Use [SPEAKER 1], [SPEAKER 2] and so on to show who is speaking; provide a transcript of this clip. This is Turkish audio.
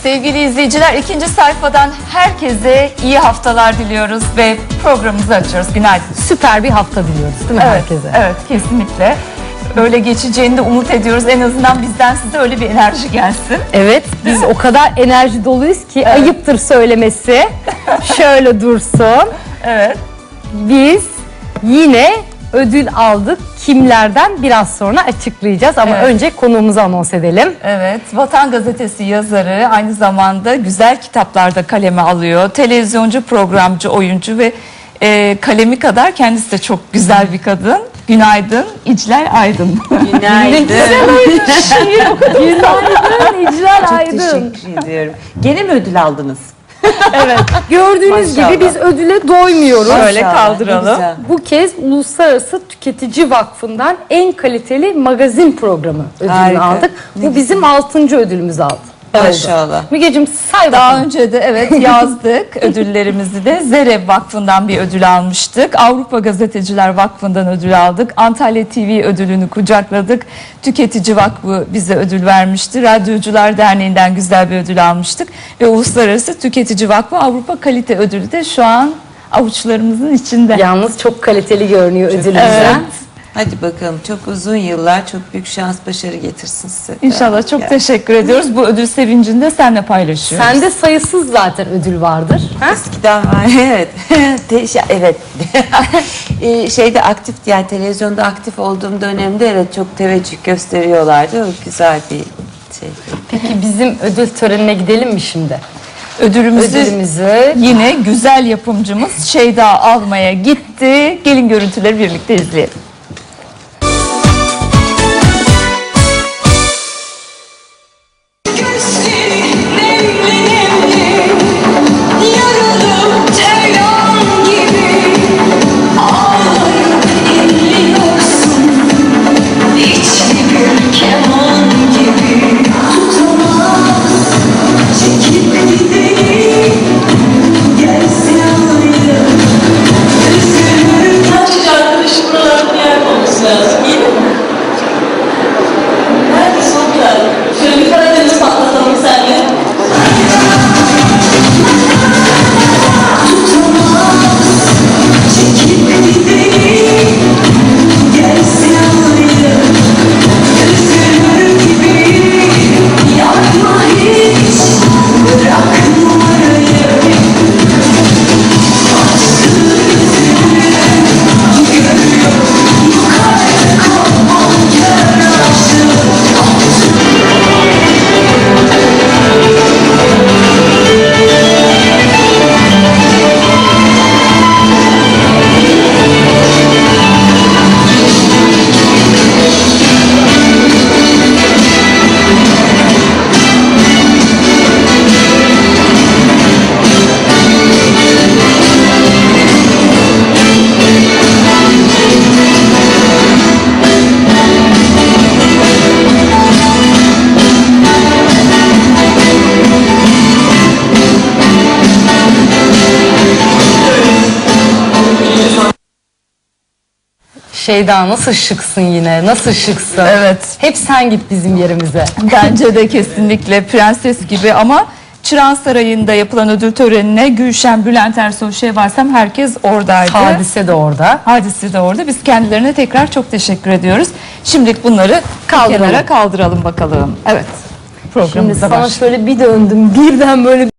[SPEAKER 1] sevgili izleyiciler, ikinci sayfadan herkese iyi haftalar diliyoruz ve programımızı açıyoruz. Günaydın.
[SPEAKER 2] Süper bir hafta diliyoruz değil mi herkese?
[SPEAKER 1] Evet, kesinlikle. Öyle geçeceğini de umut ediyoruz. En azından bizden size öyle bir enerji gelsin.
[SPEAKER 2] Evet, biz o kadar enerji doluyuz ki ayıptır söylemesi. Şöyle dursun.
[SPEAKER 1] Evet.
[SPEAKER 2] Biz yine ödül aldık. Kimlerden biraz sonra açıklayacağız ama önce konuğumuzu anons edelim.
[SPEAKER 1] Evet, Vatan Gazetesi yazarı, aynı zamanda güzel kitaplarda kaleme alıyor. Televizyoncu, programcı, oyuncu ve kalemi kadar kendisi de çok güzel bir kadın. Günaydın, İclal Aydın.
[SPEAKER 3] Günaydın.
[SPEAKER 2] Günaydın İclal
[SPEAKER 3] Çok
[SPEAKER 2] Aydın.
[SPEAKER 3] teşekkür ediyorum. Gene mi ödül aldınız?
[SPEAKER 2] Evet, gördüğünüz
[SPEAKER 3] Maşallah.
[SPEAKER 2] gibi biz ödüle doymuyoruz.
[SPEAKER 1] Şöyle
[SPEAKER 3] Maşallah,
[SPEAKER 1] kaldıralım.
[SPEAKER 3] ne güzel.
[SPEAKER 2] Bu kez Uluslararası Tüketici Vakfı'ndan en kaliteli magazin programı ödülünü
[SPEAKER 3] Harika.
[SPEAKER 2] aldık. Bu bizim 6. ödülümüz oldu.
[SPEAKER 3] Maşallah.
[SPEAKER 2] Mügeciğim say
[SPEAKER 1] Daha
[SPEAKER 2] bakalım.
[SPEAKER 1] önce de yazdık ödüllerimizi de. Zerev Vakfı'ndan bir ödül almıştık. Avrupa Gazeteciler Vakfı'ndan ödül aldık. Antalya TV ödülünü kucakladık. Tüketici Vakfı bize ödül vermişti. Radyocular Derneği'nden güzel bir ödül almıştık. Ve Uluslararası Tüketici Vakfı Avrupa Kalite Ödülü de şu an avuçlarımızın içinde.
[SPEAKER 2] Yalnız çok kaliteli görünüyor ödülümüzden.
[SPEAKER 1] Evet.
[SPEAKER 3] Hadi bakalım, çok uzun yıllar, çok büyük şans, başarı getirsin size.
[SPEAKER 1] İnşallah, çok teşekkür ediyoruz. Bu ödül sevincini de seninle paylaşıyoruz.
[SPEAKER 2] Sende sayısız zaten ödül vardır. Ha?
[SPEAKER 3] Eskiden var, evet. Evet. Şeyde aktif, yani televizyonda aktif olduğum dönemde evet çok teveccüh gösteriyorlardı. O güzel bir şey.
[SPEAKER 2] Peki bizim ödül törenine gidelim mi şimdi?
[SPEAKER 1] Ödülümüzü yine güzel yapımcımız Şeyda almaya gitti. Gelin görüntüleri birlikte izleyelim.
[SPEAKER 2] Şeyda nasıl şıksın yine, nasıl şıksın.
[SPEAKER 1] Evet.
[SPEAKER 2] Hep sen git bizim yerimize.
[SPEAKER 1] Bence de kesinlikle prenses gibi, ama Çırağan Sarayı'nda yapılan ödül törenine Gülşen, Bülent Ersoy, Şevvalsem herkes oradaydı.
[SPEAKER 2] Hadise de orada.
[SPEAKER 1] Hadise de orada. Biz kendilerine tekrar çok teşekkür ediyoruz. Şimdilik bunları
[SPEAKER 2] Kaldıralım.
[SPEAKER 1] kenara kaldıralım bakalım. Evet.
[SPEAKER 2] Şimdi
[SPEAKER 1] Programımıza
[SPEAKER 2] sana
[SPEAKER 1] başlayalım.
[SPEAKER 2] şöyle bir döndüm, birden böyle